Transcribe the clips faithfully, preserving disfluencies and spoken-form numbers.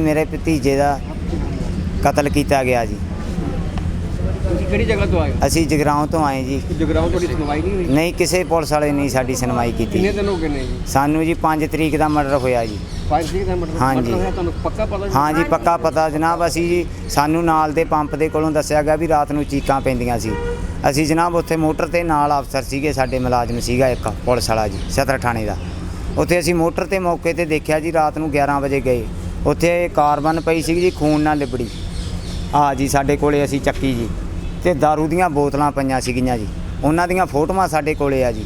मेरे भतीजे का कतल किया गया जी। ਕਿਹੜੀ ਜਗ੍ਹਾ ਤੋਂ ਆਏ ਹੋ? असी जगराओं तो आए जी। ਜਗਰਾਉਂ ਤੁਹਾਡੀ ਸੁਣਵਾਈ नहीं हुई? नहीं किसी पुलिस वाले नहीं साडी सुनवाई की। कितने दिन हो गए ने जी? सानू जी पाँच तरीक का मर्डर होया जी। पाँच तरीक ਦਾ ਮਰਡਰ हाँ जी। ਮਰਡਰ ਹੋਇਆ ਤੁਹਾਨੂੰ ਪੱਕਾ ਪਤਾ ਜੀ? हाँ जी पक्का पता जनाब। असी जी सानू नाल दे पंप दे कोलों दस्सिया गया भी रात नूं चीकां पैंदियां सी। असी जनाब उत्थे मोटर ते नाल अफसर सीगे साडे मुलाजम सीगा एक पुलिस वाला जी सदर थाणे दा। उत्थे असी मोटर ते मौके ते देखिया जी रात नूं ग्यारह बजे गए। उत्थे कारबन पई सी जी खून नाल लिबड़ी। आ जी साडे कोले असी चक्की जी ਤੇ दारू ਦੀਆਂ ਬੋਤਲਾਂ ਪਈਆਂ ਸੀਗੀਆਂ ਜੀ। ਉਹਨਾਂ ਦੀਆਂ ਫੋਟੋਆਂ ਸਾਡੇ ਕੋਲੇ ਆ ਜੀ।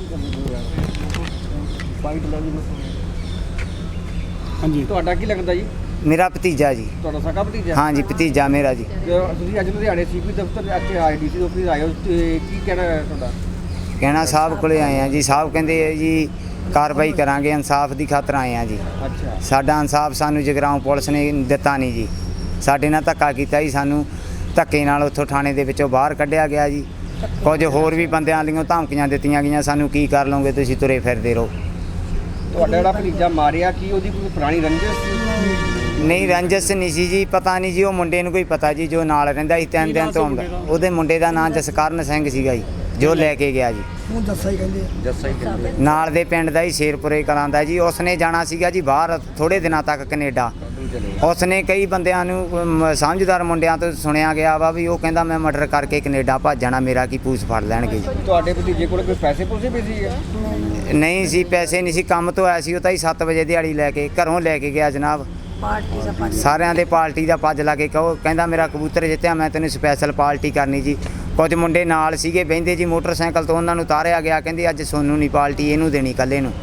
ਹਾਂਜੀ ਤੁਹਾਡਾ ਕੀ ਲੱਗਦਾ ਜੀ? ਮੇਰਾ ਭਤੀਜਾ ਜੀ। ਤੁਹਾਡਾ ਸਕਾ ਭਤੀਜਾ? ਹਾਂ ਜੀ ਭਤੀਜਾ ਮੇਰਾ ਜੀ। ਤੁਸੀਂ ਅੱਜ ਲੁਧਿਆਣੇ ਸੀਪੀ ਦਫ਼ਤਰ ਇੱਥੇ ਆਏ ਡੀ ਸੀ ਆਫਿਸ ਆਏ ਹੋ ਤੇ ਕੀ ਕਹਿਣਾ ਹੈ ਤੁਹਾਡਾ? ਕਹਿਣਾ ਸਾਹਿਬ ਕੋਲੇ ਆਏ ਆ ਜੀ। ਸਾਹਿਬ ਕਹਿੰਦੇ ਆ ਜੀ ਕਾਰਵਾਈ ਕਰਾਂਗੇ ਇਨਸਾਫ ਦੀ ਖਾਤਰ ਆਏ ਆ ਜੀ। ਅੱਛਾ ਸਾਡਾ ਇਨਸਾਫ ਸਾਨੂੰ ਜਗਰਾਉਂ ਪੁਲਿਸ ਨੇ ਦਿੱਤਾ ਨਹੀਂ ਜੀ। ਸਾਡੇ ਨਾਲ ਧੱਕਾ ਕੀਤਾ ਜੀ। ਸਾਨੂੰ ਧੱਕੇ ਨਾਲ ਉੱਥੋਂ ਥਾਣੇ ਦੇ ਵਿੱਚੋਂ ਬਾਹਰ ਕੱਢਿਆ ਗਿਆ ਜੀ। ਕੁਝ ਹੋਰ ਵੀ ਬੰਦਿਆਂ ਦੀਆਂ ਧਮਕੀਆਂ ਦਿੱਤੀਆਂ ਗਈਆਂ ਸਾਨੂੰ ਕੀ ਕਰ ਲਓਗੇ ਤੁਸੀਂ ਤੁਰੇ ਫਿਰਦੇ ਰਹੋ। ਤੁਹਾਡਾ ਜਿਹੜਾ ਭਤੀਜਾ ਮਾਰਿਆ ਕੀ ਉਹਦੀ ਕੋਈ ਪੁਰਾਣੀ ਰੰਜਿਸ਼ ਸੀ? ਨਹੀਂ ਰੰਜਸ ਨਹੀਂ ਸੀ ਜੀ। ਪਤਾ ਨਹੀਂ ਜੀ ਉਹ ਮੁੰਡੇ ਨੂੰ ਕੋਈ ਪਤਾ ਜੀ ਜੋ ਨਾਲ ਰਹਿੰਦਾ ਸੀ ਤਿੰਨ ਦਿਨ ਤੋਂ ਆਉਂਦਾ। ਉਹਦੇ ਮੁੰਡੇ ਦਾ ਨਾਂ ਜਸਕਰਨ ਸਿੰਘ ਸੀਗਾ ਜੀ ਜੋ ਲੈ ਕੇ ਗਿਆ ਜੀ। ਹੁਣ ਜੱਸਾ ਹੀ ਕਹਿੰਦੇ ਜੱਸਾ ਹੀ ਕਹਿੰਦੇ ਨਾਲ ਦੇ ਪਿੰਡ ਦਾ ਹੀ ਸ਼ੇਰਪੁਰੇ ਕਲਾਂ ਦਾ ਜੀ। ਉਸਨੇ ਜਾਣਾ ਸੀਗਾ ਜੀ ਬਾਹਰ ਥੋੜੇ ਦਿਨਾਂ ਤੱਕ ਕੈਨੇਡਾ। ਉਸਨੇ ਕਈ ਬੰਦਿਆਂ ਨੂੰ ਮ, ਸਮਝਦਾਰ ਮੁੰਡਿਆਂ ਤੋਂ ਸੁਣਿਆ ਗਿਆ ਵਾ ਵੀ ਉਹ ਕਹਿੰਦਾ ਮੈਂ ਮਰਡਰ ਕਰਕੇ ਕੈਨੇਡਾ ਭੱਜ ਜਾਣਾ ਮੇਰਾ ਕੀ ਪੂਛ ਫੜ ਲੈਣਗੇ ਜੀ। ਤੁਹਾਡੇ ਭਤੀਜੇ ਕੋਲ ਕੋਈ ਪੈਸੇ ਪੂਸੇ ਵੀ ਸੀ? ਨਹੀਂ ਸੀ ਪੈਸੇ ਨਹੀਂ ਸੀ। ਕੰਮ ਤੋਂ ਆਇਆ ਸੀ ਉਹ ਤਾਂ ਹੀ ਸੱਤ ਵਜੇ ਦਿਹਾੜੀ ਲੈ ਕੇ ਘਰੋਂ ਲੈ ਕੇ ਗਿਆ ਜਨਾਬ। ਸਾਰਿਆਂ ਦੇ ਪਾਰਟੀ ਦਾ ਪੱਜ ਲਾ ਕੇ ਕਹੋ ਕਹਿੰਦਾ ਮੇਰਾ ਕਬੂਤਰ ਜਿੱਤਿਆ ਮੈਂ ਤੈਨੂੰ ਸਪੈਸ਼ਲ ਪਾਰਟੀ ਕਰਨੀ ਜੀ। ਕੁਝ ਮੁੰਡੇ ਨਾਲ ਸੀਗੇ ਬਹਿੰਦੇ ਜੀ ਮੋਟਰਸਾਈਕਲ ਤੋਂ ਉਹਨਾਂ ਨੂੰ ਉਤਾਰਿਆ ਗਿਆ ਕਹਿੰਦੇ ਅੱਜ ਸੋਨੂੰ ਨਹੀਂ ਪਾਰਟੀ ਇਹਨੂੰ ਦੇਣੀ ਇਕੱਲੇ ਨੂੰ।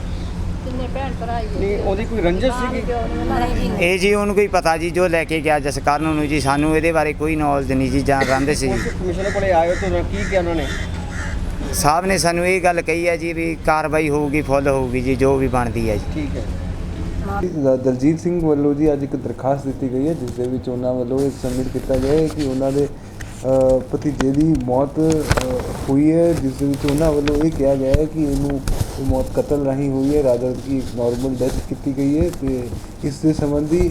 ਨਹੀਂ ਉਹਦੀ ਕੋਈ ਰੰਜਿਸ਼ ਸੀਗੀ? ਇਹ ਜੀ ਉਹਨੂੰ ਕੋਈ ਪਤਾ ਜੀ ਜੋ ਲੈ ਕੇ ਗਿਆ ਜਸਕਰਨ ਨੂੰ ਜੀ। ਸਾਨੂੰ ਇਹਦੇ ਬਾਰੇ ਕੋਈ ਨੌਲੇਜ ਨਹੀਂ ਜੀ ਜਾਣ ਰਹਿੰਦੇ ਸੀ। ਕਮਿਸ਼ਨਰ ਕੋਲੇ ਆਏ ਹੋ ਤਾਂ ਕੀ ਕਿਹਾ ਉਹਨਾਂ ਨੇ? ਸਾਹਿਬ ਨੇ ਸਾਨੂੰ ਇਹ ਗੱਲ ਕਹੀ ਹੈ ਜੀ ਵੀ ਕਾਰਵਾਈ ਹੋਊਗੀ ਫੁੱਲ ਹੋਊਗੀ ਜੀ ਜੋ ਵੀ ਬਣਦੀ ਹੈ ਜੀ। ਠੀਕ ਹੈ। ਦਲਜੀਤ ਸਿੰਘ ਵੱਲੋਂ ਜੀ ਅੱਜ ਇੱਕ ਦਰਖਾਸਤ ਦਿੱਤੀ ਗਈ ਹੈ ਜਿਸ ਦੇ ਵਿੱਚ ਉਹਨਾਂ ਵੱਲੋਂ ਇਹ ਸਬਮਿਟ ਕੀਤਾ ਗਿਆ ਹੈ ਕਿ ਉਹਨਾਂ ਦੇ ਭਤੀਜੇ ਦੀ ਮੌਤ ਹੋਈ ਹੈ ਜਿਸ ਦੇ ਵਿੱਚ ਉਹਨਾਂ ਵੱਲੋਂ ਇਹ ਕਿਹਾ ਗਿਆ ਹੈ ਕਿ ਇਹਨੂੰ ਇਹ ਮੌਤ ਕਤਲ ਰਾਹੀਂ ਹੋਈ ਹੈ ਰਾਦਰ ਦੀ ਨਾਰਮਲ ਡੈਥ ਕੀਤੀ ਗਈ ਹੈ ਤੇ ਇਸ ਦੇ ਸੰਬੰਧੀ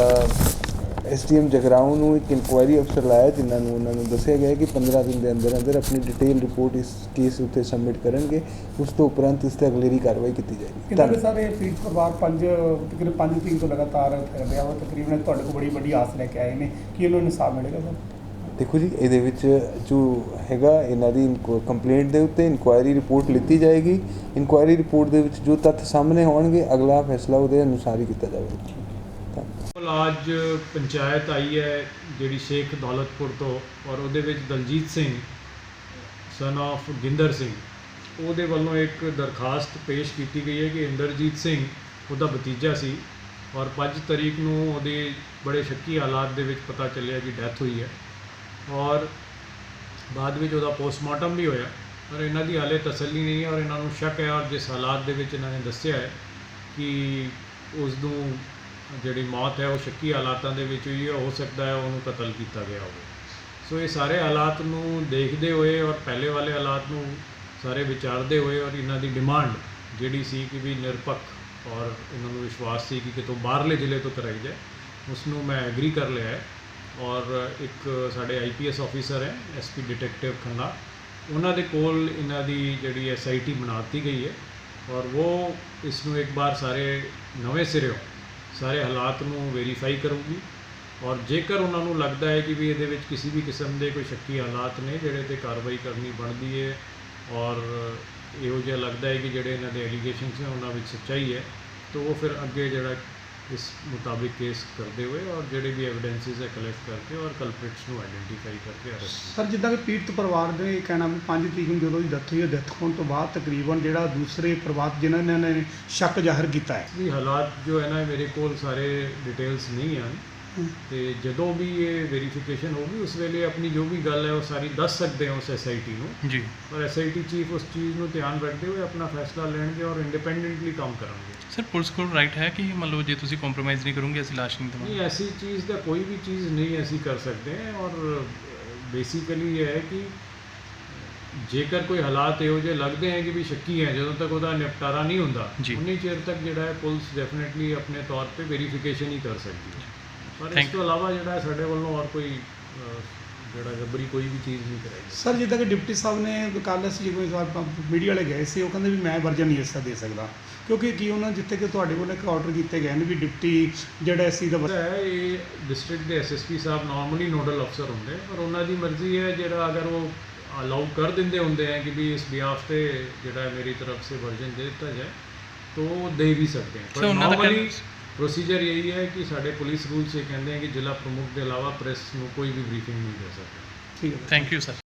ਐਸ ਟੀ ਐਮ ਜਗਰਾਉਂ ਨੂੰ ਇੱਕ ਇਨਕੁਆਇਰੀ ਅਫਸਰ ਲਾਇਆ ਜਿਨ੍ਹਾਂ ਨੂੰ ਉਹਨਾਂ ਨੂੰ ਦੱਸਿਆ ਗਿਆ ਕਿ ਪੰਦਰਾਂ ਦਿਨ ਦੇ ਅੰਦਰ ਅੰਦਰ ਆਪਣੀ ਡਿਟੇਲ ਰਿਪੋਰਟ ਇਸ ਕੇਸ ਉੱਤੇ ਸਬਮਿਟ ਕਰਨਗੇ। ਉਸ ਤੋਂ ਉਪਰੰਤ ਇਸ 'ਤੇ ਅਗਲੇਰੀ ਕਾਰਵਾਈ ਕੀਤੀ ਜਾਏਗੀ। ਕਿਉਂਕਿ ਸਾਰੇ ਪੀੜਤ ਪਰਿਵਾਰ ਪੰਜ ਤਕਰੀਬਨ ਪੰਜ ਤਰੀਕ ਤੋਂ ਲਗਾਤਾਰ ਕਰ ਰਿਹਾ ਵਾ ਤਕਰੀਬਨ ਤੁਹਾਡੇ ਕੋਲ ਬੜੀ ਵੱਡੀ ਆਸ ਲੈ ਕੇ ਆਏ ਨੇ ਕਿ ਇਹਨਾਂ ਨੂੰ ਇਨਸਾਫ ਮਿਲੇਗਾ ਸਰ? ਦੇਖੋ ਜੀ ਇਹਦੇ ਵਿੱਚ ਜੋ ਹੈਗਾ ਇਹਨਾਂ ਦੀ ਕੰਪਲੇਂਟ ਦੇ ਉੱਤੇ ਇਨਕੁਆਇਰੀ ਰਿਪੋਰਟ ਲਿੱਤੀ ਜਾਏਗੀ। ਇਨਕੁਆਇਰੀ ਰਿਪੋਰਟ ਦੇ ਵਿੱਚ ਜੋ ਤੱਥ ਸਾਹਮਣੇ ਆਉਣਗੇ ਅਗਲਾ ਫੈਸਲਾ ਉਹਦੇ ਅਨੁਸਾਰ ਹੀ ਕੀਤਾ ਜਾਵੇਗਾ। ਅੱਜ ਪੰਚਾਇਤ ਆਈ ਹੈ ਜਿਹੜੀ ਸ਼ੇਖ ਦੌਲਤਪੁਰ ਤੋਂ ਔਰ ਉਹਦੇ ਵਿੱਚ ਦਲਜੀਤ ਸਿੰਘ ਸਨ ਆਫ ਗਿੰਦਰ ਸਿੰਘ ਉਹਦੇ ਵੱਲੋਂ ਇੱਕ ਦਰਖਾਸਤ ਪੇਸ਼ ਕੀਤੀ ਗਈ ਹੈ ਕਿ ਇੰਦਰਜੀਤ ਸਿੰਘ ਉਹਦਾ ਭਤੀਜਾ ਸੀ ਔਰ ਪੰਜ ਤਰੀਕ ਨੂੰ ਉਹਦੇ ਬੜੇ ਸ਼ੱਕੀ ਹਾਲਾਤ ਦੇ ਵਿੱਚ ਪਤਾ ਚੱਲਿਆ ਕਿ ਡੈਥ ਹੋਈ ਹੈ ਔਰ ਬਾਅਦ ਵਿੱਚ ਉਹਦਾ ਪੋਸਟਮਾਰਟਮ ਵੀ ਹੋਇਆ ਪਰ ਇਹਨਾਂ ਦੀ ਹਾਲੇ ਤਸੱਲੀ ਨਹੀਂ ਹੈ ਔਰ ਇਹਨਾਂ ਨੂੰ ਸ਼ੱਕ ਹੈ ਔਰ ਜਿਸ ਹਾਲਾਤ ਦੇ ਵਿੱਚ ਇਹਨਾਂ ਨੇ ਦੱਸਿਆ ਹੈ ਕਿ ਉਸ ਨੂੰ ਜਿਹੜੀ ਮੌਤ ਹੈ ਉਹ ਸ਼ੱਕੀ ਹਾਲਾਤਾਂ ਦੇ ਵਿੱਚ ਹੋਈ ਹੈ। ਹੋ ਸਕਦਾ ਹੈ ਉਹਨੂੰ ਕਤਲ ਕੀਤਾ ਗਿਆ ਹੋਵੇ। ਸੋ ਇਹ ਸਾਰੇ ਹਾਲਾਤ ਨੂੰ ਦੇਖਦੇ ਹੋਏ ਔਰ ਪਹਿਲੇ ਵਾਲੇ ਹਾਲਾਤ ਨੂੰ ਸਾਰੇ ਵਿਚਾਰਦੇ ਹੋਏ ਔਰ ਇਹਨਾਂ ਦੀ ਡਿਮਾਂਡ ਜਿਹੜੀ ਸੀ ਕਿ ਵੀ ਨਿਰਪੱਖ ਔਰ ਇਹਨਾਂ ਨੂੰ ਵਿਸ਼ਵਾਸ ਸੀ ਕਿ ਕਿਤੋਂ ਬਾਹਰਲੇ ਜ਼ਿਲ੍ਹੇ ਤੋਂ ਕਰਾਈ ਜਾਏ ਉਸ ਨੂੰ ਮੈਂ ਐਗਰੀ ਕਰ ਲਿਆ ਹੈ ਔਰ ਇੱਕ ਸਾਡੇ ਆਈ ਪੀ ਐਸ ਆਫਿਸਰ ਹੈ ਐਸ ਪੀ ਡਿਟੈਕਟਿਵ ਖੰਨਾ ਉਹਨਾਂ ਦੇ ਕੋਲ ਇਹਨਾਂ ਦੀ ਜਿਹੜੀ ਐਸ ਆਈ ਟੀ ਬਣਾ ਦਿੱਤੀ ਗਈ ਹੈ ਔਰ ਉਹ ਇਸ ਨੂੰ ਇੱਕ ਵਾਰ ਸਾਰੇ ਨਵੇਂ ਸਿਰਿਓਂ ਸਾਰੇ ਹਾਲਾਤ ਨੂੰ ਵੈਰੀਫਾਈ ਕਰੂਗੀ ਔਰ ਜੇਕਰ ਉਹਨਾਂ ਨੂੰ ਲੱਗਦਾ ਹੈ ਕਿ ਵੀ ਇਹਦੇ ਵਿੱਚ ਕਿਸੇ ਵੀ ਕਿਸਮ ਦੇ ਕੋਈ ਸ਼ੱਕੀ ਹਾਲਾਤ ਨੇ ਜਿਹੜੇ 'ਤੇ ਕਾਰਵਾਈ ਕਰਨੀ ਬਣਦੀ ਹੈ ਔਰ ਇਹੋ ਜਿਹਾ ਲੱਗਦਾ ਹੈ ਕਿ ਜਿਹੜੇ ਇਹਨਾਂ ਦੇ ਐਲੀਗੇਸ਼ਨਸ ਨੇ ਉਹਨਾਂ ਵਿੱਚ ਸੱਚਾਈ ਹੈ ਤਾਂ ਉਹ ਫਿਰ ਅੱਗੇ ਜਿਹੜਾ ਇਸ ਮੁਤਾबिक ਕੇਸ ਕਰਦੇ ਹੋਏ ਔਰ ਜਿਹੜੇ ਵੀ ਐਵੀਡੈਂਸਿਸ ਹੈ ਕਲੈਕਟ ਕਰਕੇ ਔਰ ਕਲਪ੍ਰਿਟਸ ਨੂੰ ਆਈਡੈਂਟੀਫਾਈ ਕਰਕੇ ਅਰੈਸਟ। ਸਰ ਜਿੱਦਾਂ ਕਿ ਪੀੜਤ ਪਰਿਵਾਰ ਦੇ ਕਹਿਣਾ ਵੀ ਪੰਜ ਤਰੀਕ ਨੂੰ ਜਦੋਂ ਦੀ ਡੈਥ ਹੋਈ ਹੈ ਡੈਥ ਹੋਣ ਤੋਂ ਬਾਅਦ ਤਕਰੀਬਨ ਜਿਹੜਾ ਦੂਸਰੇ ਪਰਿਵਾਰ ਜਿਨ੍ਹਾਂ ਨੇ ਸ਼ੱਕ ਜ਼ਾਹਰ ਕੀਤਾ ਹੈ ਵੀ ਹਾਲਾਤ ਜੋ ਹੈ ਨਾ ਮੇਰੇ ਕੋਲ ਸਾਰੇ ਡਿਟੇਲਸ ਨਹੀਂ ਹਨ ਤੇ ਜਦੋਂ ਵੀ ਇਹ ਵੈਰੀਫਿਕੇਸ਼ਨ ਹੋਊਗੀ ਉਸ ਵੇਲੇ ਆਪਣੀ ਜੋ ਵੀ ਗੱਲ ਹੈ ਉਹ ਸਾਰੀ ਦੱਸ ਸਕਦੇ ਹਾਂ ਉਸ ਐਸ ਆਈ ਟੀ ਨੂੰ ਜੀ ਔਰ ਐਸ ਆਈ ਟੀ ਚੀਫ ਉਸ ਚੀਜ਼ ਨੂੰ ਧਿਆਨ ਰੱਖਦੇ ਹੋਏ ਆਪਣਾ ਫੈਸਲਾ ਲੈਣਗੇ ਔਰ ਇੰਡੀਪੈਂਡੈਂਟਲੀ ਕੰਮ ਕਰਨਗੇ। ਸਰ ਪੁਲਿਸ ਕੋਲ ਰਾਈਟ ਹੈ ਕਿ ਮੰਨ ਲਓ ਜੇ ਤੁਸੀਂ ਕੰਪਰੋਮਾਈਜ਼ ਨਹੀਂ ਕਰੋਗੇ ਅਸੀਂ ਲਾਸ਼ ਨਹੀਂ ਦੇਵਾਂਗੇ? ਨਹੀਂ ਐਸੀ ਚੀਜ਼ ਦਾ ਕੋਈ ਵੀ ਚੀਜ਼ ਨਹੀਂ ਅਸੀਂ ਕਰ ਸਕਦੇ ਔਰ ਬੇਸਿਕਲੀ ਇਹ ਹੈ ਕਿ ਜੇਕਰ ਕੋਈ ਹਾਲਾਤ ਇਹੋ ਜਿਹੇ ਲੱਗਦੇ ਹੈ ਕਿ ਵੀ ਸ਼ੱਕੀ ਹੈ ਜਦੋਂ ਤੱਕ ਉਹਦਾ ਨਿਪਟਾਰਾ ਨਹੀਂ ਹੁੰਦਾ ਉਨੀ ਚਿਰ ਤੱਕ ਜਿਹੜਾ ਹੈ ਪੁਲਿਸ ਡੈਫੀਨੇਟਲੀ ਆਪਣੇ ਤੌਰ 'ਤੇ ਵੈਰੀਫਿਕੇਸ਼ਨ ਹੀ ਕਰ ਸਕਦੀ ਹੈ। ਪਰ ਇਸ Thank ਤੋਂ ਇਲਾਵਾ ਜਿਹੜਾ ਸਾਡੇ ਵੱਲੋਂ ਹੋਰ ਕੋਈ ਅਹ, ਜਿਹੜਾ ਜਬਰੀ ਕੋਈ ਵੀ ਚੀਜ਼ ਨਹੀਂ ਕਰਾਈ। ਸਰ ਜਿੱਦਾਂ ਕਿ ਡਿਪਟੀ ਸਾਹਿਬ ਨੇ ਕੱਲ੍ਹ ਅਸੀਂ ਜਦੋਂ ਆਪਾਂ ਮੀਡੀਆ ਵਾਲੇ ਗਏ ਸੀ ਉਹ ਕਹਿੰਦੇ ਵੀ ਮੈਂ ਵਰਜਨ ਨਹੀਂ ਇਸ ਦਾ ਦੇ ਸਕਦਾ, ਕਿਉਂਕਿ ਕੀ ਉਹਨਾਂ ਜਿੱਥੇ ਕਿ ਤੁਹਾਡੇ ਕੋਲ ਇੱਕ ਆਰਡਰ ਕੀਤੇ ਗਏ ਨੇ ਵੀ ਡਿਪਟੀ ਜਿਹੜਾ ਐਸੀ ਦਾ ਜਿਹੜਾ ਹੈ ਇਹ ਡਿਸਟ੍ਰਿਕਟ ਦੇ ਐਸਐਸਪੀ ਸਾਹਿਬ ਨਾਰਮਲੀ ਨੋਡਲ ਅਫਸਰ ਹੁੰਦੇ, ਪਰ ਉਹਨਾਂ ਦੀ ਮਰਜ਼ੀ ਹੈ ਜਿਹੜਾ ਅਗਰ ਉਹ ਅਲਾਉ ਕਰ ਦਿੰਦੇ ਹੁੰਦੇ हैं कि भी इस बिहाफ पे ਜਿਹੜਾ ਹੈ ਮੇਰੀ तरफ से वर्जन दे ਦਿੱਤਾ ਜਾए तो दे भी सकते हैं। So, पर ਉਹਨਾਂ ਦਾ नॉर्मली ਕਹਿਣਾ- प्रोसीजर यही है कि ਸਾਡੇ ਪੁਲਿਸ ਰੂਲ 'ਚ ਇਹ ਕਹਿੰਦੇ हैं कि ਜ਼ਿਲ੍ਹਾ ਪ੍ਰਮੁੱਖ ਦੇ ਇਲਾਵਾ ਪ੍ਰੈਸ ਨੂੰ ਕੋਈ ਵੀ ਬਰੀਫਿੰਗ ਨਹੀਂ ਦੇ ਸਕਦਾ। ਠੀਕ ਹੈ। Thank you sir.